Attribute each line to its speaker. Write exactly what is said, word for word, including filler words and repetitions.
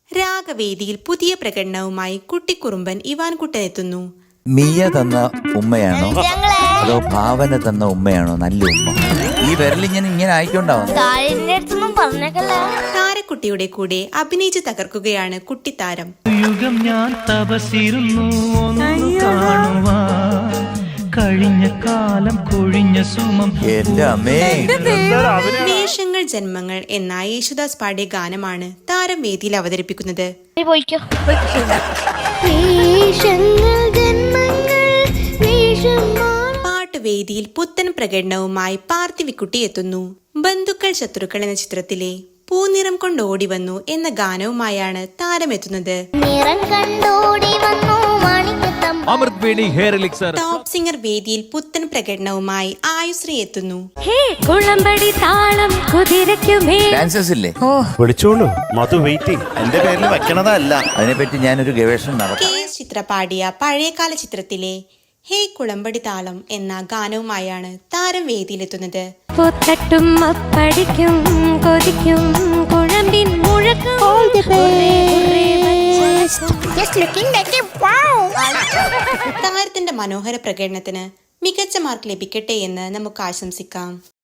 Speaker 1: രാഗവേദിയിൽ പുതിയ പ്രകടനവുമായി കുട്ടിക്കുറുമ്പൻ ഇവാൻ കുട്ടൻ എത്തുന്നു.
Speaker 2: മിയ തന്ന ഉമ്മയാണോ അതോ ഭാവന തന്ന ഉമ്മയാണോ നല്ല ഉമ്മ? ഈ വിരലിങ്ങനെ ഇങ്ങനെ ആയിക്കൊണ്ടാവും.
Speaker 1: താരക്കുട്ടിയുടെ കൂടെ അഭിനയിച്ച് തകർക്കുകയാണ് കുട്ടിത്താരം.
Speaker 3: യുഗം ഞാൻ തപസിരുന്നു കഴിഞ്ഞ കാലം കൊഴിഞ്ഞ സുമം.
Speaker 2: എന്റെ അമ്മേ,
Speaker 1: വേഷങ്ങൾ ജന്മങ്ങൾ എന്ന യേശുദാസ് പാടിയ ഗാനമാണ് താരം വേദിയിൽ അവതരിപ്പിക്കുന്നത്. പാട്ടുവേദിയിൽ പുത്തൻ പ്രകടനവുമായി പാർത്ഥിവിക്കുട്ടി എത്തുന്നു. ബന്ധുക്കൾ ശത്രുക്കൾ എന്ന ചിത്രത്തിലെ പൂനിറം കൊണ്ടോടി വന്നു എന്ന ഗാനവുമായാണ് താരമെത്തുന്നത്. ടോപ്പ് സിംഗർ വേദിയിൽ പുത്തൻ പ്രകടനവുമായി ആയുശ്രീ എത്തുന്നു.
Speaker 2: ഡാൻസേഴ്സ് ഇല്ലേ?
Speaker 4: വിളിച്ചോളൂ, മധു വെയിറ്റിംഗ്. എന്റെ പേരിൽ വെക്കണതല്ല.
Speaker 2: അതിനെപ്പറ്റി ഞാനൊരു ഗവേഷണം നടത്തി.
Speaker 1: കെ എസ് ചിത്ര പാടിയ പഴയകാല ചിത്രത്തിലെ ഹേ കുളമ്പടി താളം എന്ന ഗാനവുമായാണ് താരം വേദിയിലെത്തുന്നത്. താരത്തിന്റെ മനോഹര പ്രകടനത്തിന് മികച്ച മാർക്ക് ലഭിക്കട്ടെ എന്ന് നമുക്ക് ആശംസിക്കാം.